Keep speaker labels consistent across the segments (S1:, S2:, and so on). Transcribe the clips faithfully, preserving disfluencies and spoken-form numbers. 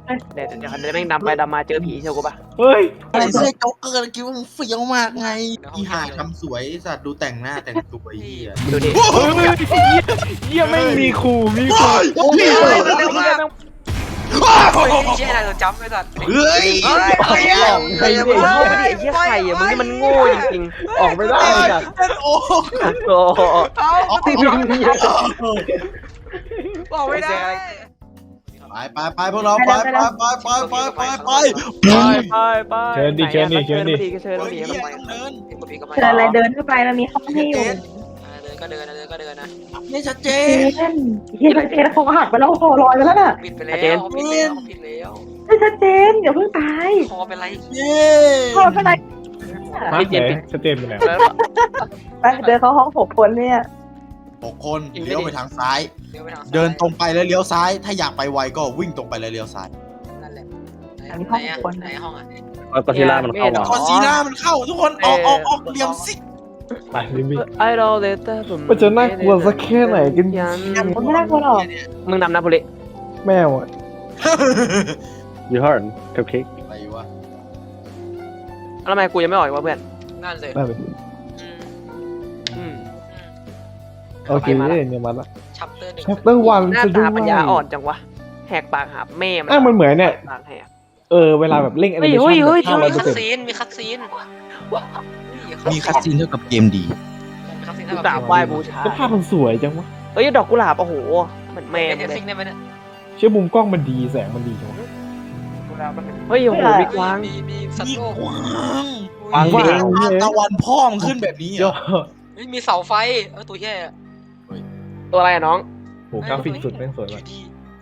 S1: เดี๋ยวเดี๋ยวเดี๋ยวแม่งดำไปดำมาเจอผีเชียวกูปะ
S2: เฮ้ย
S3: ไอ้เสื้อโจ๊กเกอร์คิดว่ามึงเฟี้ยวมากไงอีห่าทำสวยสัตว์ดูแต่งหน้าแต่งตัวไอ้เหี้ย
S1: ดูดิ
S2: เฮ้ยเยี่ยไม่มีครูมีครู
S1: โอ้ยเร็วมาก
S4: โอ้ยเชี่ยอะไรเราจำไม่ทัน
S3: เฮ้ย
S4: เฮ้ยเฮ้ย
S1: หลอกไอ้เหี้ยไอ้เหี้ยไข่อะมึงนี่มันโง่จริง
S2: ออกไม่ได้จ้ะ
S3: โอ้
S1: ๆโอ้
S4: เอาติดบอกไม่ได้
S3: ไปไปไปพวกเราไปไปไปไปไปไปไป
S1: ไปไปไป
S2: เชิญดิเชิญดิเชิญดิ
S1: เชิญดิ
S3: เฮ้ย
S1: เชิญ
S3: เหี้ย
S1: ดิ
S3: ต้องเดิน
S5: เชิญอะไรเดินเข้าไปมันมีห้องให้อยู่
S4: เดินก็เดินเดินก็เดินนะ
S3: นี่ชัดเจ
S5: เจ
S3: น
S5: นเฮียเจนเขาหักไปแล้วคอลอยไปแล้วน่ะ
S4: ปิดไปแล้วปิดแล้วปิดแล้ว
S5: ไม่ชัดเจนอย่าเพิ่งตาย
S4: คอเป็นไร
S3: เย้
S5: คอเป็นไร
S2: มาไหนสเตนไปไหน
S5: ไปเดินเข้าห้องหกคนเนี่ย
S3: หกคนเลี้ยวไปทางซ้าย
S4: เดินไปทาง
S3: เดินตรงไปแล้วเลี้ยวซ้าย ถ้าอยากไปไวก็วิ่งตรงไปแล้วเลี้ยวซ้าย
S4: นั่นแหละไหนอ่ะไหนห้องอ่ะ
S1: ก็ทีล่ามันเข้ามา
S3: คอนซีน่ามันเข้าทุกคนออกออกออกเหลี่ยมซิก
S2: ไปลิมบี้
S1: ไอดอลเลเตอร์
S2: มันจะน่ากลัวสักแค่ไหนกัน
S5: มันไม่น่ากลัวหรอก
S1: มึงนำนะพุริ
S2: แมวอ่ะ
S6: ยูฮอร์นคัพเค้ก
S3: อะไรวะ
S1: แล้วทำไมกูยังไม่ออกอีกวะเพื่อน
S4: นั่นเลย
S2: นั่นเลย
S1: อืม
S2: โอเคเนี่ยมาละ
S4: ชัปเตอร์หนึ่ง
S2: แชปเตอร์วัน
S1: หน้า
S2: จะดู
S1: ตาปัญญาอ่อนจังวะแหกปากหาแม่มัน
S2: อ่ะมันเหมือนเนี่ย
S1: ปากแหก
S2: เออเวลาแบบเล่งแอนิเม
S1: เฮ้
S2: ชั่
S1: ย
S2: น
S1: เฮ้ย
S2: ห้าร้อยเปอ
S4: มี
S2: ร์
S4: คั
S2: เซ็นต์
S4: ดซีนมีคัดซีน
S3: มีคัสซีนเท่ากับเกมดี
S4: มีคัดซีน
S1: กูกราบไหว้บูชา
S2: แล้วภาพมันสวยจังวะ
S1: เฮ้ยดอกกุหลาบโอ้โหเหมือนแม่
S4: เป็น
S1: เล
S4: เท
S1: ย
S4: ซิงได้ไหมเนี่ย
S2: เชื่อมุมกล้องมันดีแสงมันดีจังวะ
S1: เฮ้ยโอ้โหมีกวาง
S4: มีมีสัต
S3: มี
S4: ว์โลก
S3: กวาง
S2: วางว่า
S3: ภาพตะวันพ่อมขึ้นแบบนี้เหร
S2: ย
S3: อ
S2: อด
S4: มีเสาไฟเออตัวแย่
S1: ตัวอะไรอะน้อง
S2: โหกราฟิกสุดแม่งสวยมาก
S4: ดี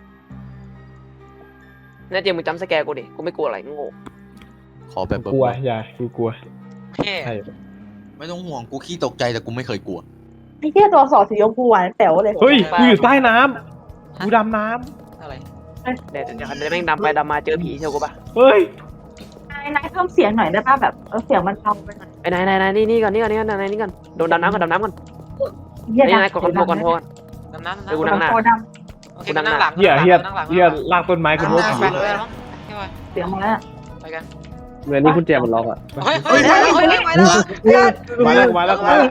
S1: แน่จริงมึงจำสแกร์กูดิกูไม่กลัวอะไรโง่
S3: ขอแบบ
S2: กลัวอย่ากูกลัว
S4: แย่
S2: ใช่
S3: ไม่ต้องห่วงกูขี้ตกใจแต่กูไม่เคยกลัว
S5: ไอ้เหี้ยตัวสอดสีชมพูหวานแป๋วเลย
S2: เฮ้ยกูอยู่ใต้น้ำกูดำน้
S4: อะไร
S1: เดี๋ยวเดี๋ยวเดี๋ยวแม่งดำไปดำมาเจอผีเชียวกูปะ
S2: ำเฮ้ย
S5: นายนายเพิ่มเสียงหน่อยได้ป่ะแบบเออเสียงมันเบาไปหน่อย
S1: ไอ้นายนายนายนี่นี่ก่อนนี่ก่อนนี่ก่อนนายนี่ก่อนโดนดำน้ำก่อนดำน้ำก่อน
S5: เหี้ย
S1: นี่
S5: ดัง
S1: นายกดคอนโทรลก่อนโทรก่อน
S4: ดำน้ำ
S1: เดี๋ยวกู
S4: ดำ
S1: นั่งหน้า
S5: คอด
S4: โอเคนั่งหลัง
S2: เฮียเฮีย
S4: นั่งหลัง
S2: เฮียลากต้นไม้กัน
S4: นั่ง
S2: รถ
S4: หลัง
S2: ผี
S4: ไปเลยมั้งใช่ไหม
S5: ำเสียงมาแล้ว
S4: ไปกัน
S6: เมื่อนี้คุณแจมันล็อกอ่ะ
S4: เฮ้ยเฮ้ยเฮ้ยเฮ้ยไปแล้ว
S2: มาแล้วมาแล้วมาแล้ว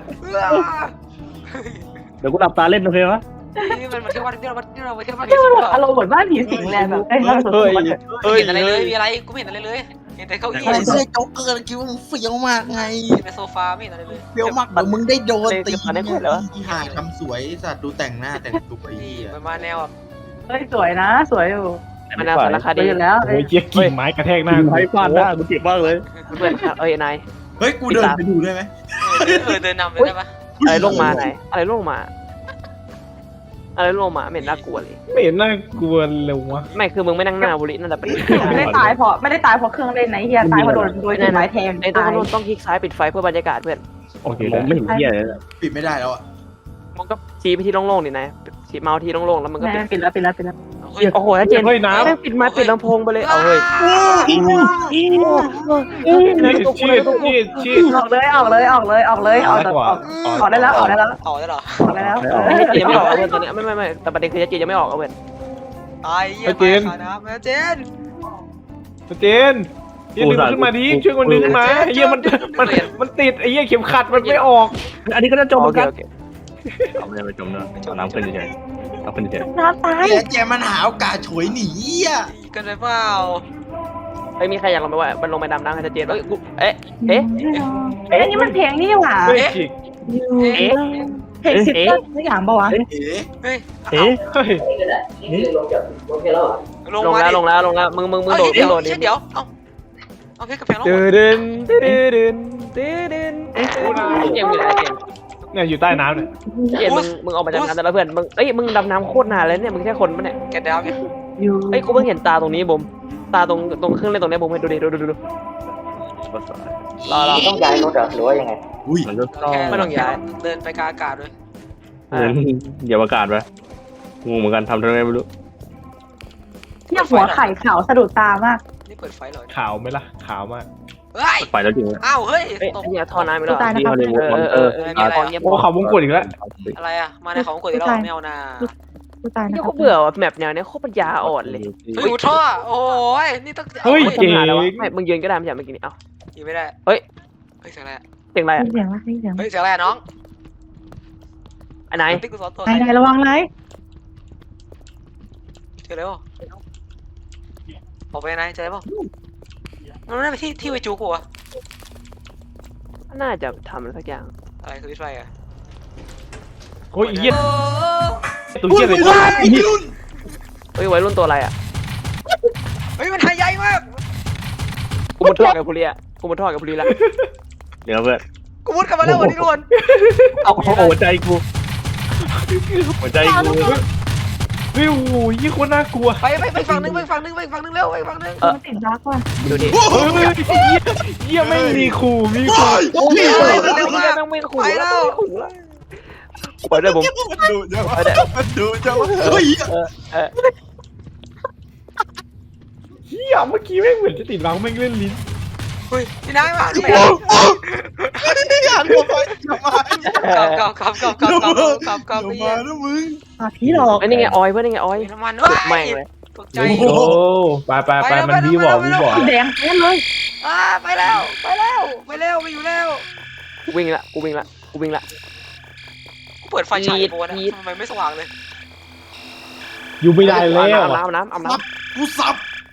S6: เดี๋ยวกูหลับตาเล่นโอเคปะ
S4: นี่มันมาเที่ยววัดที่เราที่เราไปเที่ยววัด
S5: เที่ยวแบบอารมณ์เหมือนบ้านผีสิงเลยแบบไอ้เราสด
S2: เฮ้ย
S5: ๆ
S2: เฮ้ย
S4: เห็นอะไรเลยมีอะไรกูไม่เห็นอะไรเลยเห็นแต่เก้าอี้
S3: ไอ้เสื้อโจ๊กเกอร์คิดว่ามึงเฟี้ยวมากไง
S4: เห็นแต่โซฟาไม่เห็นอะไรเลย
S3: เฟี้ยวมากเดี๋ยวมึงได้โดนตี
S1: ตอนนี้เหรอ
S3: อีห่าทำสวยสัตว์ดูแต่งหน้าแต่งตัวไอ้
S4: นี่
S3: เหี้ย
S4: มันมาแนวแบบ
S5: เฮ้ยสวยนะ สวยอยู่
S1: มันน่าสารค
S5: สวย
S1: ดี
S5: อยู่แล้ว
S2: โอ้ยเจี๊ยกิ่งไม้กระแทกหน้า
S6: ไม้ฟาดหน้ากูเจ็บมากเลย
S1: เพื่อนเอ้ยนาย
S3: เฮ้ยกูเดินไปดูได้ไหม
S4: เออเดินนำเลยได้ปะ
S1: อะไรลงมาไหนอะไรลงมา อะไรลงมาไม่เห็นน่ากลัวเลย
S2: ไม่เห็นน่ากลัวเลยวะ
S1: ไม่คือมึงไม่นั่งหน้าบุรินั่นแหละเป็น
S5: ไม่ได้ตายเพราะไม่ได้ตายเพราะเครื่องเล่นนะเฮียตายเพราะโดนโดนไม้แทง
S1: ไอ้ต้อง
S5: ตาย
S1: ต้องต้องคลิกซ้ายปิดไฟเพื่อบรรยากาศเพื่อน
S2: โอเค
S6: ม
S2: ได้
S6: องไม่เห็นเหี้ยเลยนะ
S3: ปิดไม่ได้แล้วอ่ะ
S1: มึงก็ชี้ไปที่โล่งๆดินายชี้เมาส์ที่โล่งๆแล้วมึงก็ปิด
S5: แม่ปิดแล้วปิดแล้วปิดแล้ว
S1: โอ้โหถ้าเจน
S2: เฮ้ยน้
S1: แม่งปิดไม้ปิดลำโพงไปเลยเอาเฮ้ย
S2: ำชีดชีดชีดชีด
S5: ออกเลยออกเลยออกเลยออกเลยออกออกออกได้แล้วออกได้แล้ว
S4: ต่อได้หรอ
S5: ออกได้แล้ว
S1: ไอ้เจนยังไม่ออกเอาเว้ยตอนนี้ไม่ไม่ไม่แต่ประเด็นคือเจนยังไม่ออกเอาเว้ย
S4: ตายเยี่ยมมากนะแม่เจน
S2: เจนเฮียดึงมันขึ้นมาดิช่วยมันดึงขึ้นมาเฮียมันมันมันติดไอ้เฮียเข็มขัดมันไม่ออก
S6: อันนี้ก็จะจมเหมือนกัน
S1: โอเค
S6: เอาไม่ได้ไปจมเนอะเอาน้ำขึ้นเฉยๆเอาขึ้นเฉย
S5: น้ำตาย
S3: เจ๊แจมันหาโอกาสฉวยหนีอ่ะ
S4: กันไปเปล่า
S1: ไอ้มีใครอยากลงไปว่ามันลงไปดำน้ำกับเจนเอ้ยกูเอ๊ะเอ๊ะ
S5: เอ๊ะนี่มันเพลงนี่หว่า
S2: เฮ้ยฉีก
S1: เอ๊ะ
S5: เพลงสิบต้นไม่อยากบอกวะ
S3: เอ๋
S4: เฮ้ย
S6: เอ๊ะ
S2: เฮ้ย
S4: ลง
S1: ลง
S4: มา
S1: แล้ว
S4: ดิ
S1: ลงแล้วลงแล้วมึงมึงมึงโดด
S4: เดี๋ยว
S1: โดดดิ
S4: เดี๋ยวเอาเอาเพชรกับแพงลง
S1: ตื่นตื่นตื่นตื่นตื่นเจมอยู่ไหนเจม
S2: เนี่ยอยู่ใต้น้ำเนี่ย
S1: เจมมึงมึงออกมาจากน้ำแต่ละเพื่อนมึงเอ้ยมึงดำน้ำโคตรนานเลยเนี่ยมึงแค่คนปะเนี่ย
S4: แกดาวเนี่ย
S5: อยู่
S1: เอ้ยกูเพิ่งเห็นตาตรงนี้บุมตาตรงตรงเครื่องเล่นตรงนี้บุมให้ดูดิดูดูดูรอรอ
S7: ต้องย้ายรถเหรอหรือว่ายังไง
S3: อุ้ย
S6: มันก็
S1: ไม่ต้องย้าย
S4: เดินไปกลางอากาศด้วย
S6: เดี๋ยวอากาศไปงูเหมือนกันทำทำไมไม่รู้
S5: เนี่ยหัวไข่ขาวสะดุดตามาก
S4: นี่เปิดไฟเลย
S2: ขาวไหมล่ะขาวมาก
S4: เฮ้ย
S6: ไปแล้วจริง
S4: อ้าวเฮ้ย
S1: เอ้ย
S4: ตก
S1: ไอ้เนี่ยทอน้ำไม่ได้
S5: ตายนะ
S6: ที่
S5: ครับ
S6: ฮอลลีวูดมอนเตอร์
S1: เออเออเออ
S2: โอ้เขาวงกดอีกแล้ว
S4: อะไรอ่ะมาในของกดที่เราไม่เอานา
S5: กูตายนะ
S1: เนี่ยเขาเบื่อว่ะแมปแนวเนี้ยโคตรปัญญาอ่อนเลย
S4: เฮ้ยกูท่อโอ้ยนี่ต้อง
S2: เฮ้ย
S1: ปัญ
S2: เจ๋ง
S1: หาแล้ววะไม่มึงยืนก็ได้ไม่ใช่เมื่อกี้นี้เอ้า
S4: ยิงไม่ได้
S1: เฮ้ย
S4: เฮ้ยเสียงอะไร
S1: เสียงอะไร
S5: ได้
S1: อ่ะ
S5: ยินเสียงวะได้ยินเสียง
S4: เฮ้ยเสียงอะไรน้อง
S1: อันไหน
S4: ติ๊กกูสอนตัว
S5: ไหนไหนระวังไหน
S4: เจอแล้วออกไปไหนเจอป่ะมันไม่ไปที่ที่ไปจูกูอะ
S1: น่าจะทำอะไรสักอย่าง
S4: อะไรคือวิทไฟอะ
S2: โอ้ยเหี้ยตัวเหี้ยเลย
S1: เฮ้ยวัยรุ่นตัวอะไรอ่ะ
S4: เฮ้ยมันหายใหญ่มาก
S1: กูมุดท่อกับพูเรียกูมุดท่อกับพูเรียละ
S6: เดี๋ยวเพื่อน
S4: กูมุดกลับมาแล้ววันนี้ทุกคน
S6: เอาหัวใจกูหัวใจกู
S2: เฮ้ยโอ้โหยี่คนน่ากลัว
S4: ไปไปไปฝั่งนึงไปฝั่งนึงไปฝั่งนึงเร็วไปฝั่งนึง
S5: มันติดรักว่ะ
S1: ดูดิ
S2: เฮ้ยเหี้ยเหี้ยไม่มีขู่มีขู่
S1: โอ้ยเร็วมากไม่ขู่แล้วไม่ขู่แล้วไปด้วยผม
S3: มันดูจังวะมันดูจังวะเฮ้ย
S1: เออเออ
S2: เหี้ยเมื่อกี้แม่งเหมือนจะติดรังแม่งเล่นลิ้น
S4: เฮ้ยพี่นายมาพี่
S3: อยากหัวไปทำไม
S4: กลับกลับกลับกลับกลับกลับกลับ
S3: เดี๋ยว
S4: ไอ้
S3: มา
S4: เหี้ย
S3: แล้วมึง
S5: อ่ะผีหลอก
S1: ไอ้นี่ไงออยเพื่อนนี่ไงออย
S4: น้ำมัน
S1: สุดแม่งเลย
S4: ตกใจ
S2: โอ้ไปไปไปมันวีบอกวีบอก
S5: แดงแค่เลย
S4: อ่าไปแล้วไปแล้วไปแล้วไปอยู่แล้ว
S1: กูวิ่งละกูวิ่งละกูวิ่งละ
S4: กูเปิดไฟฉายโบนทำไมไม่สว่างเลย
S2: อยู่ไม่ได้แล้ว
S1: น้ำน้ำน้ำน้ำน้
S3: กูสับ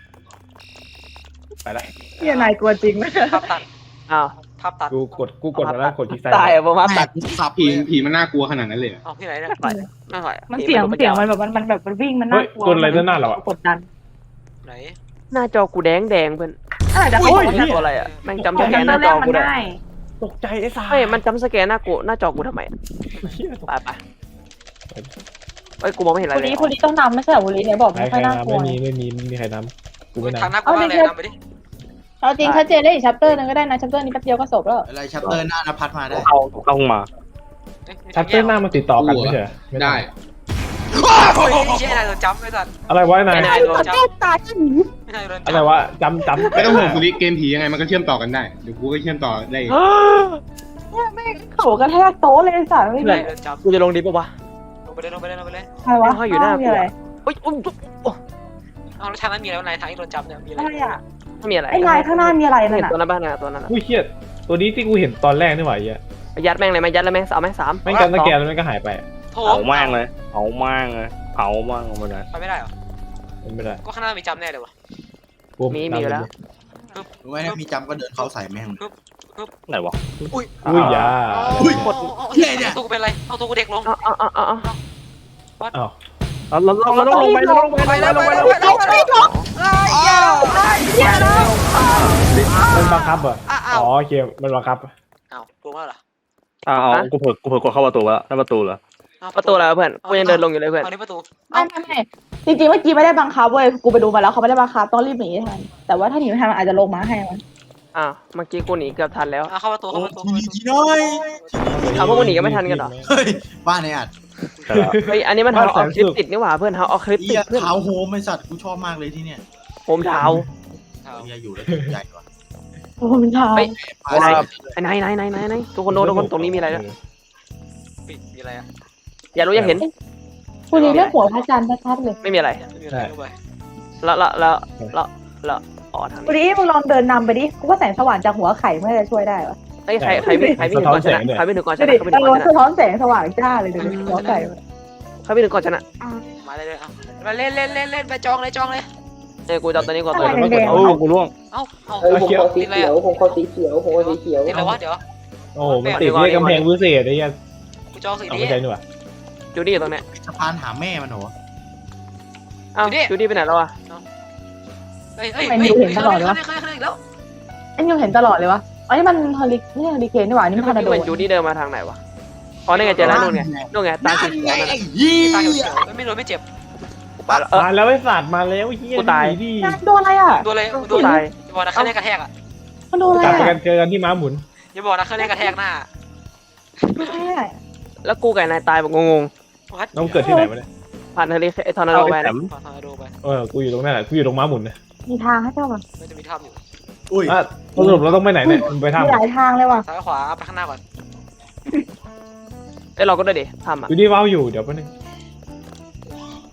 S2: ไปละ
S5: เฮียนายกลัวจริงไหม
S4: ภาพตัด
S1: ำอ้าว
S4: ภาพตัด
S2: กูกดกูกดมาแล้วกดคลิกซ้าย
S1: ตายอ่ะผมว่า
S3: แม่
S1: ตัด
S3: กูสับ
S7: ผี
S3: เลย
S7: ผีมันน่ากลัวขนาดนั้นเลยเหรอ
S4: เอาที่ไหนเนี่ย
S1: ไม่ไม่ไหว
S5: มันเสียงเสียงมันแบบมันมันแบบมันวิ่งมันน่ากลัว
S2: ตัวอะไรด้านหน้าเราอ่ะ
S5: กดดัน
S4: ไหน
S1: หน้าจอกูแดงแดงเพื่อน
S5: อะไรจะ
S1: โอ้
S5: โอ้
S1: ย
S5: ย
S1: หน้าตัวอะไรอ่ะแม่งจำ
S5: ข
S1: ส
S5: อง
S1: แก
S5: มัน
S1: นห
S5: ตอ
S1: น้าน
S5: แร
S1: จอก
S5: มัน
S1: กูได้
S5: ได้
S2: ตกใจไอ้สา
S1: เฮ้ยมันจำสแกนหน้ากูหน้าจอกูทำไมไปไปเฮ้ยกูมองไม่เห็นอะไร
S5: คน
S1: เลย
S5: นี้คนนี้ต้องนำไม่ใช่เหรอคนนี้เนี่ยบอก
S2: ใคร
S5: ไม่
S2: ใค
S5: ค่
S2: ร
S5: อยน่า
S2: น้ำ
S5: กลัว
S2: ไม่มีไม่มีไม่มีใครน้ำกูไม่น้
S4: ทางหน้ากูว่าเลยนำไปดิ
S5: เอาจริงถ้าเจได้อีกชัปเตอร์นึงก็ได้นะชัปเตอร์นี้แป๊บเดียวก็จบแล้ว
S3: อะไรชัปเตอร์หน้านภัสมาได้
S6: เข้าเข้ามา
S2: ำชัปเตอร์หน้ามันติดต่อกันไม่ใช่เหรอม่
S7: ได้
S4: โอ้ยเจ๊นายโดนจับไม่ทัน
S2: อะไรวะนาย
S1: ไม่นายโดน
S5: แก้ตายหนี
S4: ไม่นายโดนจับ
S2: อะไรวะจำจำ
S7: ไม่ต้องห่วงคุณลิเกมผียังไงมันก็เชื่อมต่อกันได้ เดี๋ยวกูก็เชื่อมต่อได้อีก
S5: โขกระแทกโต๊ะเลยสัตว์ไม่
S4: ไม่
S5: มี
S4: โดนจับ
S1: กูจะลงดิปะวะ
S4: ลงไปเลยลงไปเลยลงไปเลย
S5: ใครวะ
S1: เขาอยู่หน้ากู
S5: มีอะไร
S1: เฮ้ยอุ้ม
S4: เอาแล้วทางนั้นมีอะไรวะนายทางที่โดนจับเนี่ยมีอะไร
S5: อะไรอ่ะ
S1: ไม่มีอะไร
S5: ไอ้นายข้างหน้ามีอะไรนั่
S1: เห็
S5: น
S1: น
S5: น่ะ
S1: ตัวนั้นบ้างนะตัวนั้น
S2: อุ้ยเชี่ยตัวนี้ที่กูเห็นตอนแรกนี่หว่าไอ้เหี้ย
S1: ยัดแม่งเลยไหมยัดเลยไหมสามไหมสาม
S2: แม่งจำสแกนแล้วแม่งก็หายไป
S4: โถ
S6: เผาแม่งเลยเผาแม่งเลยเผาแม่งลงไปเลย
S4: ไปไม่ได้เหรอ
S2: มันไม่ได้
S4: ก็ข้างหน้ามีจับแน่เลยวะ
S2: กู
S1: มีมีอยู่แล้ว
S3: รู้ไหมถ้ามีจำก็เดินเข้าใส่แม่ง
S6: ไหนวะ
S2: อุ้ยยา
S3: อุ้ย
S4: กดเนี่ยตัวกูเป็นไรเอาตัวกูเด็กลง
S1: เอาเอาเอาเอาเอา
S2: อ้าว
S6: เราเราเราต้องลงไปเราต้องลงไป
S4: ไปแล้วไปแล้วไปแล้วไปแล้วไอ้เหี้ยไอ้เหี้ย
S2: มันบังคับเหรอ
S4: อ้า
S2: อ๋
S4: ว
S2: อโอเคมันบังคับ
S4: อ้าวกลัวมากเหรอ
S6: อ้าวกูเผลอกูเผลอกดเข้าประตูแล้วนั่นประตูเหรอ
S1: ประตูอะไรเพื่อนกูยังเดินลงอยู่เลยเพื่อน
S4: เอานี้ประตู
S5: ไม่ไม่ไม่จริงๆเมื่อกี้ไม่ได้บังคับเว้ยกูไปดูมาแล้วเขาไม่ได้บังคับต้องรีบหนีให้ทันแต่ว่าถ้าหนีไม่ทันมันอาจจะลงมาให้มัน
S1: อ้าวเมื่อกี้กูหนีเกือบทันแล้ว
S4: อ่ะเข้าประตู
S3: โอ้
S4: เข้าประตู
S3: ทีนี้ทีน้อย
S1: เอาพวกมึงหนีกันไม่ทันกันเหรอ
S3: เฮ้ยบ้านไอ้อัด
S6: ใช่แล้ว
S1: เฮ้ยอันนี้มันเท้าเอาคลิปติดนี่หว่าเพื่อนเท้าเอาคลิป
S3: เอี
S1: ติด
S3: ย
S1: เพื่อน
S3: เท้าโฮมไอ้สัตว์กูชอบมากเลยที่เนี่ย
S1: โฮมเท้า
S3: เฮียอยู่แล้วถูกใจว่ะ
S5: โอ้มันทา
S1: เฮ้ย
S3: พาใส่
S1: ไอ้ไหนไหนไหนไหนไหนทุกคนโดนทุกคนตรงนี้มีอะไรแล้ว
S4: ปิดมีอะไรอ่ะ
S1: อย่ารู้อย่าเห็น
S5: คุณนี่เรื่องหัวพระจันทร์ชัดๆเลย
S1: ไม่มีอะไร
S4: มีอะไรเข้าไป
S1: แล้วแล้วแล้วแล้วแล้วอ๋อทาง
S5: คุณ
S1: นี้
S5: นี่มึงลองเดินนำไปดิกูว่าแสงสว่างจากหัวไข่ไม่จะช่วยได้วะ
S1: เฮ้ยใครใครวิ่งใครวิ่งถึงก่อนชนะใครวิ่งถึงก่อนช
S5: ดู
S1: นะ
S5: ดิ
S1: ใครวิ่ง
S5: เอ
S1: ถึงก่อนช
S5: อสะ
S1: นะ
S5: ท้อนแสงสว่างจ้าเลยดูดิหัวไข่
S1: ใครวิ่งถึงก่อนชนะ
S4: มาเลยเลยเอามาเล่นเล่นเล่นเล่นไปจองเลยจองเลย
S1: เอ้ยกูจะเอาตัวนี้ก่อนตัวนี้
S2: แดงๆ
S6: โอ้กูล่วง
S4: เอ้าเอ้า
S2: เออผมขอสี
S4: ติดอะไรอ่ะ
S5: ผมขอสีเขียวผมขอสีเขียว
S4: ติดอะไรวะเดี๋ยว
S2: โอ้มันติดที่กำแพงวิเศษไอ้เหี้ย
S4: กูจองสี
S2: เอา
S4: นี้
S2: ไม่ใช่นี่หว่า
S1: จูดี้อยู่ตรงเนี้ย
S3: สะพานหาแม่มันเหรอ
S1: อ้าวจูดี้ไปไหนแล้ววะ
S4: เฮ้ยเฮ้ยเฮ้ยเห็นตลอดเลยวะเคยเคยอีกแล้ว
S5: อันยังเห็นตลอดเลยวะอันนี้มันเฮลิไม่ใช่เฮลิเคนนี่หว่านี่มัน
S1: เมื่
S5: ทอ
S1: อ
S5: ร์นา
S1: กี้
S5: โด
S1: เหมือนจูดี้เดินมาทางไหนวะอ๋อนี่ไงเจอแล้วนู่นไงนู่นไงตาสีเขียวนั่น
S3: ไอ้ยี่
S4: ตาเขียวไม่โดนไม่เจ็บ
S1: ไปแล้วเออ
S2: มาแล้วไอ้สัตว์มาแล้วเฮีย
S1: กูตาย
S2: ดิ
S5: โดนอะไรอ่ะ
S4: โดนเลยโด
S1: กู
S4: น
S1: ตาย
S4: อย่าบอกนะเครื่องเล่นกระแทกอ่ะ
S5: มันโดนอะไร
S2: กลับไปกั
S5: อ่ะ
S2: นเจอกันที่ม้าหมุน
S4: อย่าบอกนะเครื่องเล่นกระแทกหน้า
S5: ไม่ใช่อะ
S1: แล้วกูกับนายตายแบบงง
S4: วัด
S2: น้องเกิดที่ไหนวะเนี่ย
S1: ๆผ่านเฮลิไอทอร์นาโด
S6: เอา
S1: ไป
S6: ไปแถ
S1: นะ
S6: ม
S4: ขอทอร์นาโดไป
S2: เออกูอยู่ตรงนั้นแหละกูอยู่ตรงม้าหมุนนะ
S5: มีทางให้เจ้าป่ะ
S4: มันจะมีถ้ำอยู่
S3: อุ้ย
S2: อ่ะสรุปเราต้องไปไหนเนี่ยมึงไป
S5: มี
S2: ทำ
S5: หลายทางเลยว่ะ
S4: ซ้ายขวาไปข้างหน้าก่อน
S1: เอ้ยเราก็ได้ดิทำอ่ะ
S2: อยู่ที่ว้าวอยู่เดี๋ยวแป๊บนึง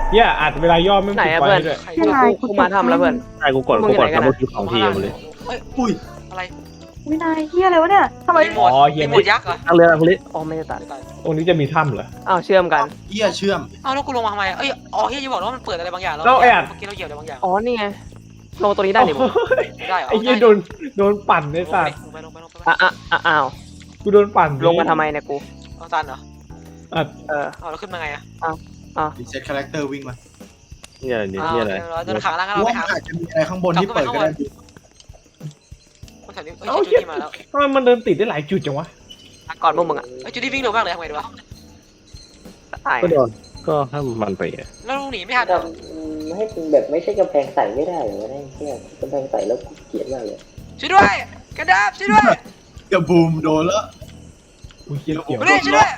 S2: เฮียอาจเวลาย่อไม่
S1: ไหน
S2: ติด
S1: อะ
S2: ไฟ
S1: เพื่อน
S2: ด้วย
S4: ใคร
S5: ที่ไหน
S1: กูมาทำแล้วเพื่อน
S6: ใช่กูกดกูกด
S1: มึงอยู่ไหนกัน
S6: ทำ
S1: อะ
S6: เมื่อกี้ของทีมาเลย
S4: เฮ้ย
S3: อุ้ย
S4: อะไร
S5: วินัยเฮียอะไรวะเนี่ยทำไม
S4: รีโมทรีโมทยักษ์เหรอ
S6: ตั้งเรืออะไรพวกนี้
S1: อ๋อไม่ได้ตัด
S2: ตรงนี้จะมีถ้ำเหรอ
S1: อ้าวเชื่อมกัน
S3: เหี้ยเชื่อม
S4: เอ้าแล้วกูลงมาทำไมอะเอ้ยอ๋อเฮียจะบอกว่ามันเปิดอะไรบางอย่างแล้ว
S2: เราแอบ
S4: เมื่อกี้เราเหยียบอะไรบางอย่าง
S1: อ๋อนี่ไงลงตัวนี้ได้นี่ผม
S4: ได้เหรอ
S2: ไอ้เหี้ยโดนโดนปั่นในสัตว์
S4: ลงไปลงไปลงไปลงไป
S1: อ่ะอ่ะอ่ะอ้าว
S2: กูโดนปั่น
S1: ลงมาทำไมเนี่ยกู
S4: เอาตันเหรอ
S2: อ่ะ
S1: เออ
S4: เอาแล้วขึ้นมาไงอะ
S3: รีเซ็ตคาแรคเตอร์วิ่งมา
S6: เนี่ยนี่
S4: อ้าว
S6: เนี่ยอะไร
S4: เดินขาล่างกัน
S3: กู
S4: เราไป
S3: ว่า
S4: หา
S3: มันอาจจะมีอะไรข้างบนที่เปิดก็ได้
S4: คนแถวนี้เอ้ย
S2: เอ้า
S4: จู
S2: เหี้ย
S4: ดี้มาแล้ว
S2: ทำไมมันเดินติดได้หลายจุดจังวะ
S1: ก่อนพวกมึงอ่ะ
S4: เอ้ยจูดี้วิ่งเร็วมากเลยทำไงดีวะ
S1: ตาย
S6: ก็โดนก็ให้มันไปอะ
S4: แล้วลุงหนีไม่ทันเหรอ
S8: ทำให้เป็นแบบไม่ใช่กำแพงใสไม่ได้เหรอวะเนี่ยแค่กำแพงใสแล้วกูเกลียดมากเลย
S4: ช่วยด้วยกระดาบช่วยด้วย
S3: เดี๋ยวบูมโดนแล้ว
S2: อุ้ยเฮียเกี่ยว
S4: ไม่ได้ช่วยด้วย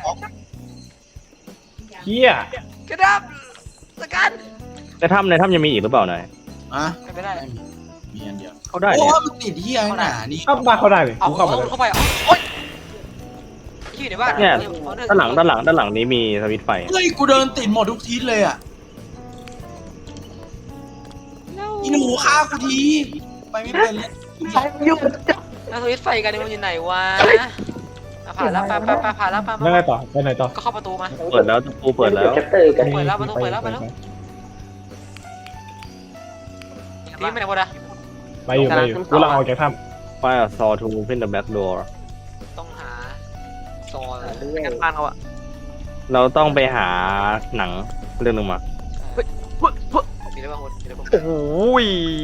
S2: เฮีย
S4: กระดาบสกัด
S6: ในถ้ำในถ้ำยังมีอีกหรือเปล่านาย
S3: อ่ะ
S4: ไม่ได้
S3: ไม่มีมีอันเดียว
S6: เขาได้
S3: โอ้
S6: เนี่ย
S3: มันติดเหี้ยหนานี่
S2: เข้าบ้านเขาได้เลย
S4: เอา
S2: กู
S4: เข้า
S2: เข้า
S4: ไป
S2: มาเลย
S4: เข้าไปโอ๊ยที่อยู่ในบ้าน
S6: เนี่ยด้านหลังด้านหลังด้านหลังนี้มีสวิตช์ไฟ
S3: เฮ้ยกูเดินติดหมดทุกทิศเลยอ่ะอีหนูฆ่ากูทีไปไม่เป็นเลย
S5: อยู่
S4: แล้วสวิตช์ไฟกันนี่มันอยู่ไหนวะอ่ะผ่านแล้วไปไปไปผ่านแล้วไปไป
S2: แล้วไงต่อไปไหนต่อ
S4: ก็เข้าประตูมา
S6: เปิดแล้วกูเปิดแล้ว
S8: แชปเตอร์กัน
S4: เปิดแล้วประตูเปิดแล้วไปแล้ว นี่ไม่ไหนหมดอะ
S2: ไปอยู่ไปอยู่กูกำลังออกจากถ้
S6: ไฟซอทูเพ่นเดอะแบ็กดอร์
S4: ต้องหาซอล
S1: กันบ้านเขาอ่ะ
S6: เราต้องไปหาหนังเรื่องหนึงมา
S4: มีอะไรบ้างคนมีอะไรบ้าง
S1: โอ้ย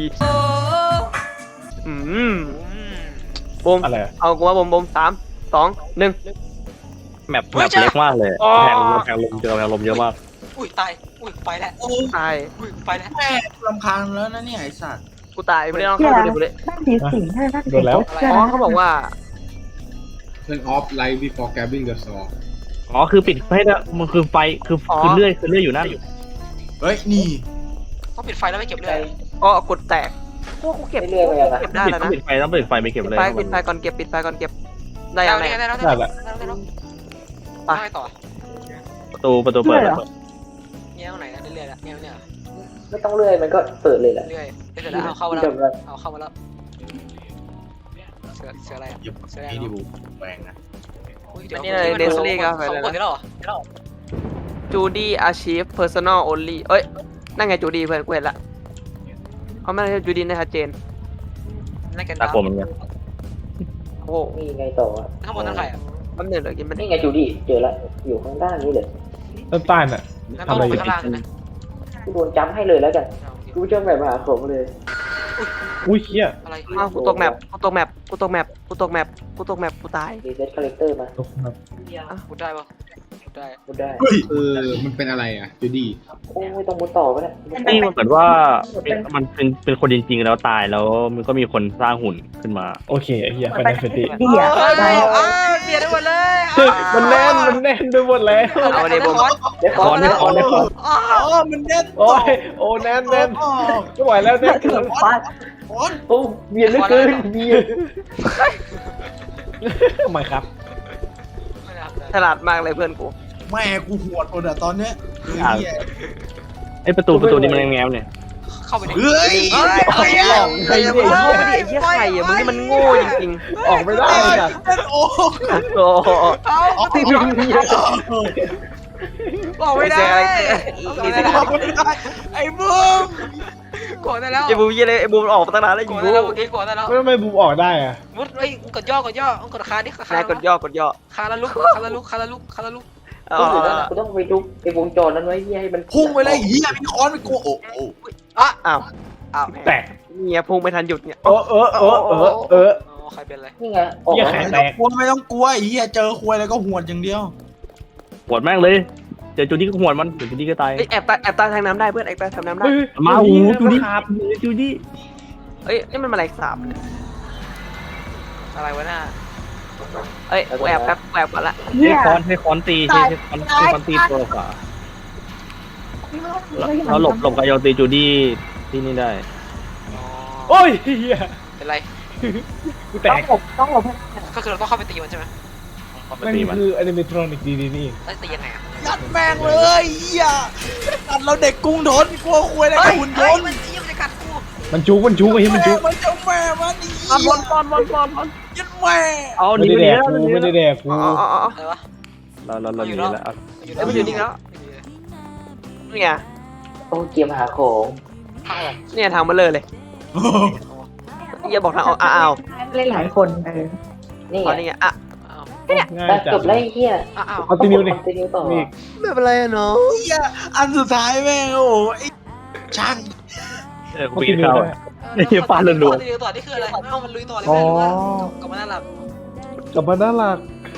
S1: อืม
S4: อืม
S1: บูม
S2: ำอะไรอะ
S1: เอากูว่าบูมบูมสามสองหนึ่ง
S6: แมปแมปเล็กมากเลย
S1: อ๋อ
S6: แพงแพงลมเจอแพงลมเยอะมาก
S4: อุ้ยตายอุ้ยไปแล้ว
S3: โอ้
S1: ตาย
S4: อุ้ยไปแล้ว
S3: แม่รำคาญแล้วนะเนี่ยไอ้สัตว์
S1: กูตายไม่ได้ลองเข้าดูดิกูเลย
S5: นั่นผีสิงใช่นั่นผี
S1: อ๋อเขาบอกว่า
S7: turn off light before grabbing the saw
S6: อ๋อคือปิดไฟแล้วมันคือไฟคือคือเลื่อยคือเลื่อยอยู่นั่น
S3: เฮ้ยนี่
S4: ต้องปิดไฟแล้วไม่เก็บเลือด
S1: อ๋อกดแตกพวกกูเก็บ
S8: เรื่อยๆไปอะ
S1: เก็บได้
S6: ปิด
S1: แล้ว
S6: ต้อง
S1: นะ
S6: ปิดไฟต้องปิดไฟไม่เก็บ
S1: ปิด
S6: เลย
S1: ไฟปิดไฟก่อนเก็บปิดไฟก่อนเก็บได้
S4: ได้
S1: ยังไง
S4: ได้แล้ว
S2: ได้ละ
S4: ได้แล้ว
S1: ไป
S4: ไปต่อ
S6: ประตูประตูเปิดแล้ว
S4: เงี้ยตรงไหนเรื่อยๆละเงี้ยเนี่ย
S8: ไม่ต้องเลื่อยมันก็เปิดเลยแหละ
S4: เรื่อยเสร็จแล้วเอาเข้ามาแล้ว
S8: จำได้
S4: เอาเข้ามาแล้วเสือเสืออะไร
S3: อย่าพูดนี่ดิบูแปลงนะ
S4: เดี๋ยว
S1: นี่เลยเดซลี่ก็ไป
S4: เขา
S1: เลย
S4: กดได้
S1: นะ
S4: หรอ
S1: จูดี้อาชีพเพอร์ซันอลโอลี่เอ้ยนั่นไงจูดี้เพื่อนกูเห็นละเขาไม่ได้จูดี้นะชัดเจน
S4: นั่นกัน
S6: ตาโกนเหมือนกัน
S1: โอ้
S8: นี่ไงต่ออะ
S4: ข้างบนนั่นใครอ่ะ
S1: แป๊บนึงเดี๋ยวกินไป
S8: นี่ไงจูดี้เจอละอยู่ข้างด้านนี้เลย
S2: ต้นใต้น่ะ
S4: งั้นต้องลงไปข้างล่างนะ
S8: กูโดนจัมให้เลยแล้วกันกูชอบแบบมหาผมเลย
S2: อุ้ยเฮีย
S4: อะไร
S1: อ้าวกูตกแมปกูตกแมปกูตกแมปกูตกแมปกูตกแมปกูตาย
S8: รีเซ็ตคาแรคเตอร์มา
S2: ตกครับ
S4: มุดได้ปะมุดได้
S8: กูได้
S3: เฮ้ย
S7: คือมันเป็นอะไรอ่ะจูดี้
S8: โอ้ยต้องมุดต่อก็ได้
S6: นี่มันเหมือนว่ามันเป็นเป็นคนจริงๆแล้วตายแล้วมันก็มีคนสร้างหุ่นขึ้นมา
S2: โอเคไอ้เฮียไปในเฟตี้
S5: เหี้ย
S4: เฮ้ย
S5: ได้
S4: อ้าวเบียดได้หมดเลย
S2: มันแน่นมันแน่นไปหมดแล้ว
S1: เอาไปดิบูม
S8: เดี๋ยว
S6: คอนได้คอนได้คอน
S4: อ๋อ
S3: อ๋อมันแน่น
S2: โอ้ยโอ้แน่นแน่นไม่ไหวแล้วแน่นเกิน
S5: ฟาด
S3: โอ้ย
S8: โอ้เบียดเหลือเกินเบียด
S2: ทำไมครับ
S4: ไม่ได้
S1: ฉลาดมากเลยเพื่อนกู
S3: แม่กูหวดหมดอะตอนเนี้ยเฮ้ยเหี้ย
S6: ไอประตูประตูนี้มันแง้มๆเนี่ย
S4: เข้าไปดิ
S3: เฮ้ย
S1: เฮ้ย
S3: ไอ้เหี้ย
S2: หลอกใครเนี่ย
S1: เข้าไปดิไอ้เหี้ยไข่อะมึงนี่มันโง่จริง
S2: ออกไม่ได้จ้ะ
S3: เล่นโอ้
S1: ๆโอ้โห
S4: เอา
S3: อ๋อ
S4: บอกไม่ได้
S1: นี่สิ
S3: บอกไม่ได้ไอ้บูม
S4: กดได้แล้ว
S1: ไอ้บูมยี่เลยไอ้บูมออกมาตั้งนานแล้ว
S4: ก
S1: ไอ้
S4: ด
S1: บู
S4: ได้แล้ว
S1: ม
S4: เมื่อกี้กดได้แล้ว
S2: ไม่ไม่บูมออกได้อะ
S4: มุดไอ้กดย่อกดย่อกดคาดิคาน
S1: ายกดย่อกดย่อ
S4: คาแล้วลุกคาแล้วลุกคาแล้วลุกคาแล้วลุก
S1: เอา
S8: กู
S1: เอาเอา
S8: ต้องไปทุบไอ้วงจรนั้นไว้เฮียให้มัน
S3: พุ่งไปเลยเหี้ยมีค้อนไปกูโอ้โห
S4: อ่ะ
S1: อ้าว
S4: อ้าว
S2: แตก
S1: เนี่ยพุ่งไม่ทันหยุดเนี่ย
S2: เออเออเออเออเออ
S4: อ๋อใครเป็นอะไร
S8: นี่ไงออก
S2: เหี้ย
S8: มา
S2: แขน
S3: ไม่ต้องกลัวไม่ต้องกลัวไอ้เหี้ยเจอควยอะไรก็หวดอย่างเดียว
S6: หวดแม่งเลยเจอจูดี้ก็หวดมันเจอจูดี้ก็ตาย
S1: เอ้ยแอบตายแอบตายทางน้ำได้เพื่อนแอบตายทางน้ำได้
S2: เฮ้ย
S6: มาโอ้โหจูดี้
S2: ครับ
S6: จูดี้
S1: เอ้ยนี่มันแมลงสาบ
S4: อะไรวะน่ะ
S1: เอ้ยกูแอบแป๊บกูแอบก่อนละ
S6: ใช้ค้อนใช้ค้อนตีใช้ใช้ค้อนใช้ค้อนตีตัวขวาเราหลบหลบกับโยตีจูดี้ที่นี่ได้
S4: อ๋อ
S2: โอ้ยเฮีย
S4: เป็นไร
S2: กูแต
S5: ต้อง
S2: ก
S5: หลบต้องหลบให้
S4: ก็คือเราต้องเข้าไปตีมันใช่ไหม
S6: เอามา
S2: นั่น
S6: ตีมัน
S2: คืออนิเมทรอนิกดีๆนี่เอง
S4: แล้วตียังไงอ่ะ
S3: ยัดแม่งเลยเหี้ยตัดเราเด็กกรุงทนกลัวคุยอะไร
S4: เฮ้
S3: กับ
S4: ย
S3: หุ่นย
S4: เฮ้ย
S3: นต์
S4: มันตีมันจะกัดกู
S2: มันจุกมันจุกไอ้เหี้ยมันจุก
S3: มันเจ้าแม่มันอี
S6: ปอนปอนปอนปอนปอนปอน
S3: ยัดแม่
S6: เอา
S2: ไม่
S6: หนี
S2: ได้
S6: ไป
S2: แด
S6: หนี
S2: ก
S6: แล้วหนี
S2: กูไม่
S6: แล้ว
S2: ได้แดกกู
S1: อ๋ออ๋ออ๋อ
S4: อะไรวะ
S6: เราเราเราหนีแล้วเอา
S1: เอ้ยมันอยู่นี่แล้วนี่ไง
S8: โอ้เกียร์หาของ
S1: เนี่ยทางมาเลยเลยอย่าบอกทางออกอ้าว
S5: เล่นหลายคนเออ
S8: นี่
S1: อ๋อ
S8: ไง
S1: นี่ไงอ่ะ
S4: อ้าว
S2: ง่าย
S8: แต่
S2: จั
S8: จ
S2: ง
S8: บแล้วไอ้เหี้ย
S4: อ้าว
S2: คอนติเนียดิ
S8: คอนติเนียต่อ
S2: นี่
S1: ไม่เป็นไรอะเนาะ
S3: เหี้ยอันสุดท้ายแม่งโอ้โหไอ้ช่าง
S6: เออ
S2: ค
S6: กู
S2: อน
S6: ปี
S2: ติ
S6: น
S2: เนีย
S6: เข้า
S2: ได้
S6: ไอ้เหี้ยฟาดรัวๆ
S4: ต่อที่ต่อที่คืออะไรเอ้ามันลุยต่อเลยไหมหรือว่ากลับมาหน้าหลับ
S2: กลับมาน่ารัก
S4: ก